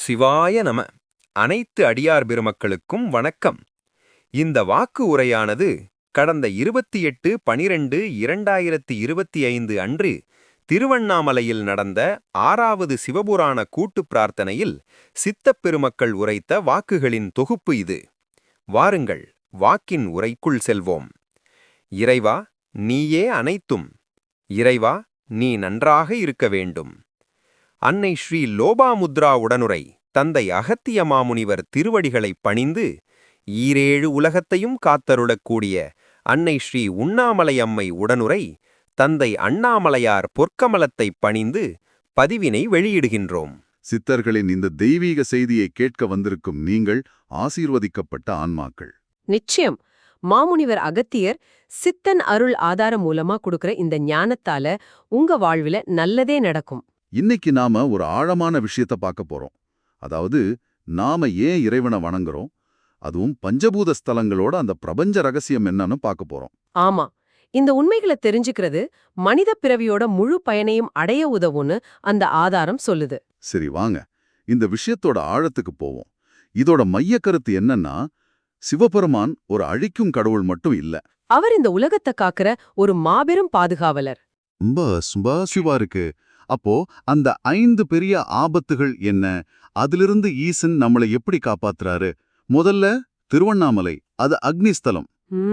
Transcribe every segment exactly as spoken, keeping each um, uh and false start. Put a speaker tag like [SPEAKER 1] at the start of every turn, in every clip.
[SPEAKER 1] சிவாய நம. அனைத்து அடியார் பெருமக்களுக்கும் வணக்கம். இந்த வாக்கு உரையானது கடந்த இருபத்தி எட்டு பனிரெண்டு இரண்டாயிரத்தி இருபத்தி ஐந்து அன்று திருவண்ணாமலையில் நடந்த ஆறாவது சிவபுராண கூட்டுப் பிரார்த்தனையில் சித்தப் பெருமக்கள் உரைத்த வாக்குகளின் தொகுப்பு இது. வாருங்கள், வாக்கின் உரைக்குள் செல்வோம். இறைவா, நீயே அனைத்தும். இறைவா, நீ நன்றாக இருக்க வேண்டும். அன்னை ஸ்ரீ லோபாமுத்ரா உடனுரை தந்தை அகத்திய மாமுனிவர் திருவடிகளைப் பணிந்து ஈரேழு உலகத்தையும் காத்தருளக்கூடிய அன்னை ஸ்ரீ உண்ணாமலை அம்மை உடனுரை தந்தை அண்ணாமலையார் பொற்கமலத்தைப் பணிந்து பதிவினை வெளியிடுகின்றோம்.
[SPEAKER 2] சித்தர்களின் இந்த தெய்வீக செய்தியை கேட்க வந்திருக்கும் நீங்கள் ஆசீர்வதிக்கப்பட்ட ஆன்மாக்கள்.
[SPEAKER 3] நிச்சயம். மாமுனிவர் அகத்தியர் சித்தன் அருள் ஆதாரம் மூலமா கொடுக்கிற இந்த ஞானத்தால உங்க வாழ்வில நல்லதே நடக்கும்.
[SPEAKER 2] இன்னைக்கு நாம ஒரு ஆழமான விஷயத்த பார்க்க போறோம். அதாவது, நாம ஏன் இறைவனை வணங்குறோம், அதுவும் பஞ்சபூத ஸ்தலங்களோட அந்த பிரபஞ்ச ரகசியம் என்னன்னு பார்க்க போறோம்.
[SPEAKER 3] ஆமா, இந்த உண்மைகளை தெரிஞ்சுக்கிறது மனித பிறவியோட முழு பயனையும் அடைய உதவுன்னு அந்த ஆதாரம் சொல்லுது.
[SPEAKER 2] சரி, வாங்க இந்த விஷயத்தோட ஆழத்துக்கு போவோம். இதோட மைய கருத்து என்னன்னா, சிவபெருமான் ஒரு அழிக்கும் கடவுள் மட்டும் இல்ல.
[SPEAKER 3] அவர் இந்த உலகத்தை காக்கிற ஒரு மாபெரும் பாதுகாவலர்.
[SPEAKER 2] ரொம்ப சுபா சிவா இருக்கு. அப்போ அந்த ஐந்து பெரிய ஆபத்துகள் என்ன, அதிலிருந்து ஈசன் நம்மளை எப்படி காப்பாத்துறாரு? முதல்ல திருவண்ணாமலை, அது அக்னிஸ்தலம்.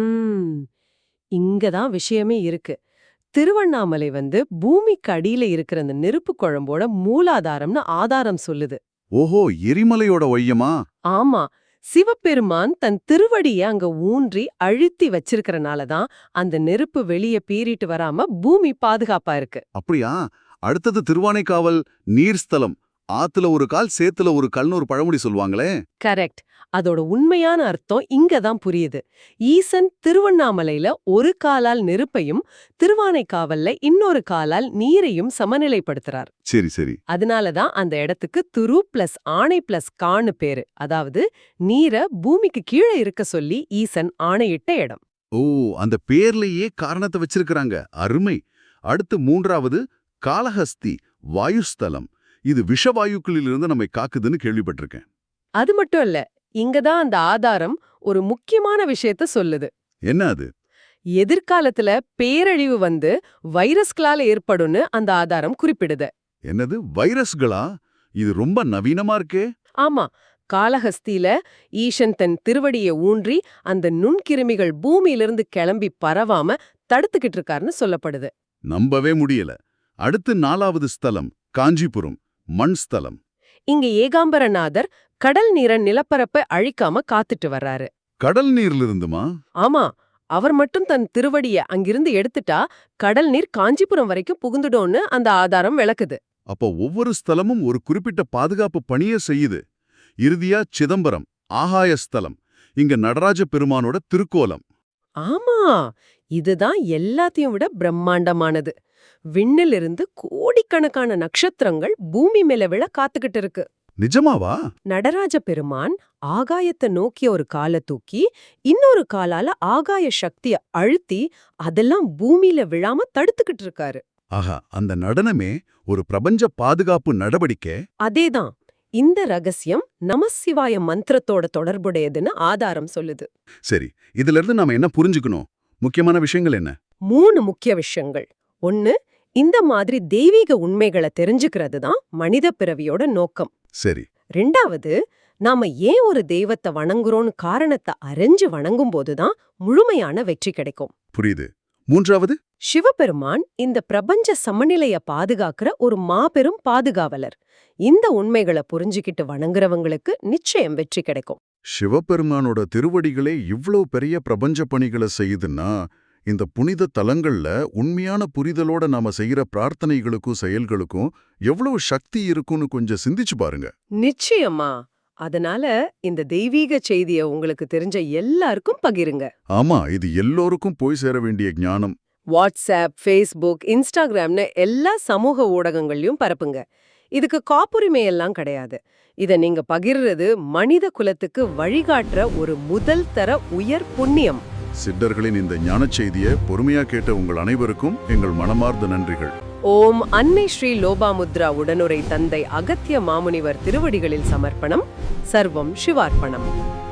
[SPEAKER 3] ம் இங்கதான் விஷயமே இருக்கு. திருவண்ணாமலை வந்து பூமிக்கு அடியில இருக்கிற அந்த நெருப்பு குழம்போட மூலாதாரம்னு ஆதாரம் சொல்லுது.
[SPEAKER 2] ஓஹோ, எரிமலையோட ஒய்யமா?
[SPEAKER 3] ஆமா, சிவபெருமான் தன் திருவடிய அங்க ஊன்றி அழுத்தி வச்சிருக்கிறனாலதான் அந்த நெருப்பு வெளியே பீறிட்டு வராம பூமி பாதுகாப்பா இருக்கு.
[SPEAKER 2] அப்படியா? அடுத்தது திருவானைக்காவல், நீர்ஸ்தலம். ஆத்துல ஒரு கால், சேத்துல ஒரு கல்னு ஒரு பழமொழி சொல்லுவாங்களே.
[SPEAKER 3] கரெக்ட். அதோட உண்மையான அர்த்தம் இங்கதான் புரியுது. ஈசன் திருவண்ணாமலையில ஒரு காலால் நெருப்பையும் திருவானைக்காவல்ல இன்னொரு காலால் நீரையும் சமநிலைப்படுத்துறார்.
[SPEAKER 2] சரி சரி.
[SPEAKER 3] அதனாலதான் அந்த இடத்துக்கு துரு பிளஸ் ஆணை பிளஸ் கான்னு பேரு. அதாவது நீரை பூமிக்கு கீழே இருக்க சொல்லி ஈசன் ஆணையிட்ட இடம்.
[SPEAKER 2] ஓ, அந்த பேர்லயே காரணத்தை வச்சிருக்கிறாங்க. அருமை. அடுத்து மூன்றாவது காளஹஸ்தி, வாயுஸ்தலம். இது விஷவாயுக்களிலிருந்து நம்மை காக்குதுன்னு கேள்விப்பட்டிருக்கேன்.
[SPEAKER 3] அது மட்டும் இல்ல, இங்கதான் அந்த ஆதாரம் ஒரு முக்கியமான விஷயத்த சொல்லுது.
[SPEAKER 2] என்ன அது?
[SPEAKER 3] எதிர்காலத்துல பேரழிவு வந்து வைரஸ்களால ஏற்படும்னு அந்த ஆதாரம் குறிப்பிடுது.
[SPEAKER 2] என்னது, வைரஸ்களா? இது ரொம்ப நவீனமா இருக்கே.
[SPEAKER 3] ஆமா, காளஹஸ்தியில ஈசன் தன் திருவடியை ஊன்றி அந்த நுண்கிருமிகள் பூமியிலிருந்து கிளம்பி பரவாம தடுத்துக்கிட்டு இருக்காருன்னு சொல்லப்படுது.
[SPEAKER 2] நம்பவே முடியல. அடுத்து நாலாவது ஸ்தலம் காஞ்சிபுரம், மண் ஸ்தலம்.
[SPEAKER 3] இங்க ஏகாம்பரநாதர் கடல் நீரை நிலப்பரப்பை அழிக்காம காத்துட்டு வர்றாரு.
[SPEAKER 2] கடல் நீர்ல இருந்துமா?
[SPEAKER 3] ஆமா, அவர் மட்டும் தன் திருவடிய அங்கிருந்து எடுத்துட்டா கடல் நீர் காஞ்சிபுரம் வரைக்கும் புகுந்துடோன்னு அந்த ஆதாரம் விளக்குது.
[SPEAKER 2] அப்போ ஒவ்வொரு ஸ்தலமும் ஒரு குறிப்பிட்ட பாதுகாப்பு பணியை செய்யுது. இறுதியா சிதம்பரம், ஆகாய ஸ்தலம். இங்க நடராஜ பெருமானோட திருக்கோலம்.
[SPEAKER 3] ஆமா, இதுதான் எல்லாத்தையும் விட பிரம்மாண்டமானது. விண்ணிலிருந்து கோடிக்கணக்கான நட்சத்திரங்கள் பூமி மேல விழ காத்துக்கிட்டு இருக்கு.
[SPEAKER 2] நிஜமாவா?
[SPEAKER 3] நடராஜ பெருமான் ஆகாயத்தை நோக்கிய ஒரு காலை தூக்கி இன்னொரு காலால ஆகாய சக்திய அழுத்தி அதெல்லாம் பூமியில விழாம தடுத்துக்கிட்டு இருக்காரு.
[SPEAKER 2] ஆஹா, அந்த நடனமே ஒரு பிரபஞ்ச பாதுகாப்பு நடவடிக்கை.
[SPEAKER 3] அதேதான். இந்த ரகசியம் நமசிவாய மந்திரத்தோட தொடர்புடையதுன்னு ஆதாரம் சொல்லுது.
[SPEAKER 2] சரி, இதுல இருந்து நாம என்ன புரிஞ்சுக்கணும்? முக்கியமான விஷயங்கள் என்ன?
[SPEAKER 3] மூணு முக்கிய விஷயங்கள். ஒன்னு, இந்த மாதிரி தெய்வீக உண்மைகளை தெரிஞ்சுக்கிறது தான் மனித பிறவியோட நோக்கம்.
[SPEAKER 2] சரி.
[SPEAKER 3] ரெண்டாவது, நாம ஏன் ஒரு தெய்வத்தை வணங்குறோம்னு காரணத்தை அறிஞ்சு வணங்கும் போதுதான் முழுமையான வெற்றி கிடைக்கும்.
[SPEAKER 2] புரியுது. மூன்றாவது,
[SPEAKER 3] சிவபெருமான் இந்த பிரபஞ்ச சமநிலைய பாதுகாக்கிற ஒரு மாபெரும் பாதுகாவலர். இந்த உண்மைகளை புரிஞ்சுக்கிட்டு வணங்குறவங்களுக்கு நிச்சயம் வெற்றி கிடைக்கும்.
[SPEAKER 2] சிவபெருமானோட திருவடிகளே இவ்வளவு பெரிய பிரபஞ்ச பணிகளை செய்யுதுன்னா, இந்த புனித தலங்கள்ல உண்மையான புரிதலோட நாம செய்யற பிரார்த்தனைகளுக்கும் செயல்களுக்கும் எவ்வளவு சக்தி இருக்குன்னு கொஞ்சம் சிந்திச்சு பாருங்க.
[SPEAKER 3] நிச்சயமா. அதனால இந்த தெய்வீக செய்திய உங்களுக்கு தெரிஞ்ச எல்லாருக்கும் பகிருங்க.
[SPEAKER 2] ஆமா, இது எல்லோருக்கும் போய் சேர வேண்டிய ஞானம்.
[SPEAKER 3] வாட்ஸ்அப், ஃபேஸ்புக், இன்ஸ்டாகிராம்னு எல்லா சமூக ஊடகங்களையும் பரப்புங்க. இதுக்கு காப்புரிமை எல்லாம் கிடையாது. இத நீங்க பகிர்றது மனித குலத்துக்கு வழிகாட்டுற ஒரு முதல் தர உயர் புண்ணியம்.
[SPEAKER 2] சித்தர்களின் இந்த ஞானச் செய்தியை பொறுமையா கேட்ட உங்கள் அனைவருக்கும் எங்கள் மனமார்ந்த நன்றிகள்.
[SPEAKER 3] ஓம் அன்னை ஸ்ரீ லோபாமுத்ரா உடனுரை தந்தை அகத்திய மாமுனிவர் திருவடிகளில் சமர்ப்பணம். சர்வம் சிவார்ப்பணம்.